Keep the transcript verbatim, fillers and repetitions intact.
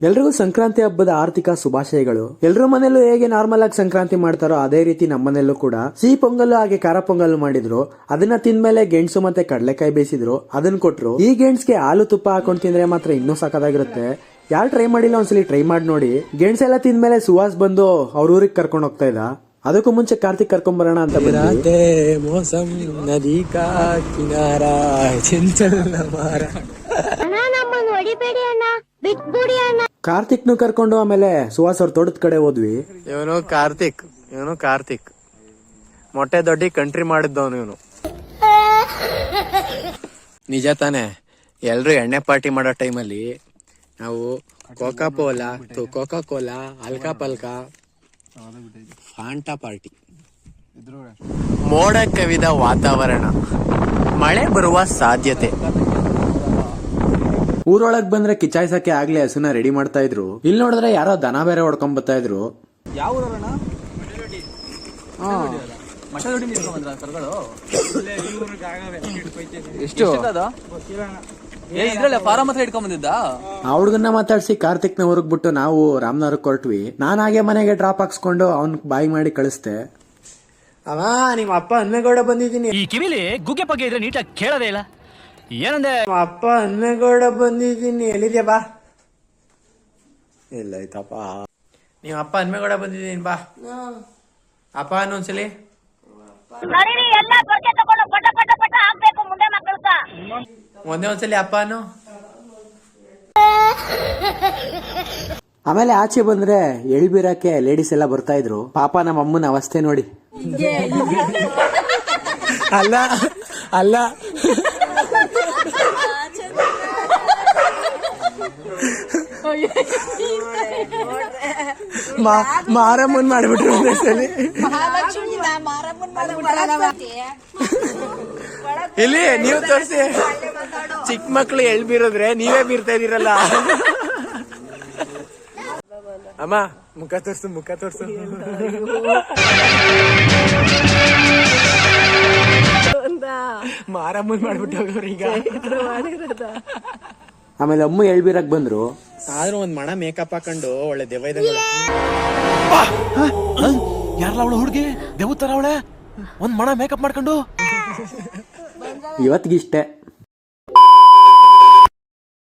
ಎಲ್ರಿಗೂ ಸಂಕ್ರಾಂತಿ ಹಬ್ಬದ ಆರ್ಥಿಕ ಶುಭಾಶಯಗಳು. ಎಲ್ರ ಮನೆಯಲ್ಲೂ ಹೇಗೆ ನಾರ್ಮಲ್ ಆಗಿ ಸಂಕ್ರಾಂತಿ ಮಾಡ್ತಾರೋ ಅದೇ ರೀತಿ ನಮ್ಮನೆಯಲ್ಲೂ ಕೂಡ ಸಿಹಿ ಪೊಂಗಲ್ ಹಾಗೆ ಖಾರ ಪೊಂಗಲ್ ಮಾಡಿದ್ರು. ಅದನ್ನ ತಿಂದ್ಮೇಲೆ ಗೆಣಸು ಮತ್ತೆ ಕಡಲೆಕಾಯಿ ಬೇಯಿಸಿದ್ರು, ಅದನ್ನ ಕೊಟ್ರು. ಈ ಗೆಣಸ್ಗೆ ಹಾಲು ತುಪ್ಪ ಹಾಕೊಂಡ್ ತಿಂದ್ರೆ ಮಾತ್ರ ಇನ್ನೂ ಸಾಕಾಗಿರುತ್ತೆ. ಯಾರು ಟ್ರೈ ಮಾಡಿಲ್ಲ ಒಂದ್ಸಲಿ ಟ್ರೈ ಮಾಡಿ ನೋಡಿ. ಗೆಣಸೆಲ್ಲ ತಿಂದ್ಮೇಲೆ ಸುಹಾಸ್ ಬಂದು ಅವ್ರ ಊರಿಗೆ ಕರ್ಕೊಂಡು ಹೋಗ್ತಾ ಇದ್ದ. ಅದಕ್ಕೂ ಮುಂಚೆ ಕಾರ್ತಿಕ್ ಕರ್ಕೊಂಡ್ ಬರೋಣ ಅಂತ ಬಂದೆ. ಮೋಸಂ ನದಿ ಕಾ ಕಿನಾರಾ ಚಿಂಚಲ್ ಮಾರ ಕಾರ್ತಿಕ್ ನು ಕರ್ಕೊಂಡು ಆಮೇಲೆ ಸುಹಾಸ್ ಅವ್ರ ತೋಟದ ಕಡೆ ಹೋದ್ವಿ. ಇವನು ಕಾರ್ತಿಕ್ ಇವನು ಕಾರ್ತಿಕ್ ಮೊಟ್ಟೆ ದೊಡ್ಡಿ ಕಂಟ್ರಿ ಮಾಡಿದ್ದವನು ಇವನು. ನಿಜ ತಾನೆ, ಎಲ್ರು ಎಣ್ಣೆ ಪಾರ್ಟಿ ಮಾಡೋ ಟೈಮಲ್ಲಿ ನಾವು ಕೋಕಾ ಕೋಲಾ ಕೋಕಾ ಕೋಲಾ ಅಲ್ಕಾ ಪಲ್ಕಾ ಫಾಂಟಾ ಪಾರ್ಟಿ. ಮೋಡ ಕವಿದ ವಾತಾವರಣ, ಮಳೆ ಬರುವ ಸಾಧ್ಯತೆ. ಊರೊಳಗ್ ಬಂದ್ರೆ ಕಿಚಾಯ್ಸಕ್ಕೆ ಆಗ್ಲೇ ಹಸುನ ರೆಡಿ ಮಾಡ್ತಾ ಇದ್ರು. ಇಲ್ಲಿ ನೋಡಿದ್ರೆ ಯಾರೋ ದನ ಬೇರೆ ಹೊಡ್ಕೊಂಡ್ ಬರ್ತಾ ಇದ್ರು. ಎಷ್ಟು ಫಾರಂ ಹತ್ರ ಇಟ್ಕೊಂಡ್ ಬಂದಿದ್ದ. ಆ ಹುಡ್ಗನ್ನ ಮಾತಾಡ್ಸಿ ಕಾರ್ತಿಕ್ ನ ಊರ್ಗ್ ಬಿಟ್ಟು ನಾವು ರಾಮನಗರಕ್ಕೆ ಹೊರಟ್ವಿ. ನಾನ್ ಹಾಗೆ ಮನೆಗೆ ಡ್ರಾಪ್ ಹಾಕ್ಸ್ಕೊಂಡು ಅವ್ನ್ ಬಾಯಿ ಮಾಡಿ ಕಳಿಸ್ದೆ. ಅವ ನಿಮ್ಮ ಅಪ್ಪ ಹನ್ಮೇಗೌಡ ಬಂದಿದ್ದೀನಿ. ಈ ಕಿವಿಲಿ ಗುಗ್ಗೆ ಪಗ್ಗೆ ಇದ್ರೆ ನೀಟಾಗಿ ಕೇಳೋದೇ ಇಲ್ಲ. ಏನಂದೆ? ಅಪ್ಪ ಹನ್ಮೇಗೌಡ ಬಂದಿದ್ದೀನಿ. ಎಲ್ಲಿದ್ಯಾ ಬಾ. ಇಲ್ಲ ಆಯ್ತಪ್ಪ, ನೀವ್ ಅಪ್ಪ ಹನ್ಮೇಗೌಡ ಬಂದಿದ್ದೀನಿ ಬಾ. ಅಪ್ಪ ಅನ್ನೊಂದ್ಸಲಿ ಒಂದೇ ಒಂದ್ಸಲಿ ಅಪ್ಪ ಅನ್ನು. ಆಮೇಲೆ ಆಚೆ ಬಂದ್ರೆ ಎಳ್ಬೀರಕ್ಕೆ ಲೇಡೀಸ್ ಎಲ್ಲ ಬರ್ತಾ ಇದ್ರು. ಪಾಪ ನಮ್ಮ ಅಮ್ಮನ ಅವಸ್ಥೆ ನೋಡಿ. ಅಲ್ಲ ಅಲ್ಲ ಮಾರಮ್ಮನ್ ಮಾಡ್ಬಿಟ್ರು ಒಂದ್ಸಲಿ. ಇಲ್ಲಿ ನೀವು ತೋರಿಸಿ, ಚಿಕ್ಕ ಮಕ್ಳು ಎಳ್ ಬೀರಿದ್ರೆ ನೀವೇ ಬೀರ್ತಾ ಇದೀರಲ್ಲ. ಅಮ್ಮ ಮುಖ ತೋರ್ಸು, ಮುಖ ತೋರ್ಸು. ಮಾರಮ್ಮನ್ ಮಾಡ್ಬಿಟ್ಟು ಹೋಗೋರು ಈಗ. ಆಮೇಲೆ ಅಮ್ಮ ಎಳ್ಬೀರಕ್ ಬಂದ್ರು. ಆದ್ರೂ ಒಂದ್ ಮಣ ಮೇಕಪ್ ಹಾಕೊಂಡು ಒಳ್ಳೆ ದೆವ್ವ ಇದ್ದಂಗೆ. ಯಾರಲ್ಲ ಅವಳು ಹುಡುಗಿ ದೇವ್ ತರ ಅವಳೆ, ಒಂದ್ ಮಣ ಮೇಕಪ್ ಮಾಡ್ಕೊಂಡು. ಇವತ್ತಿಗಿಷ್ಟೇ.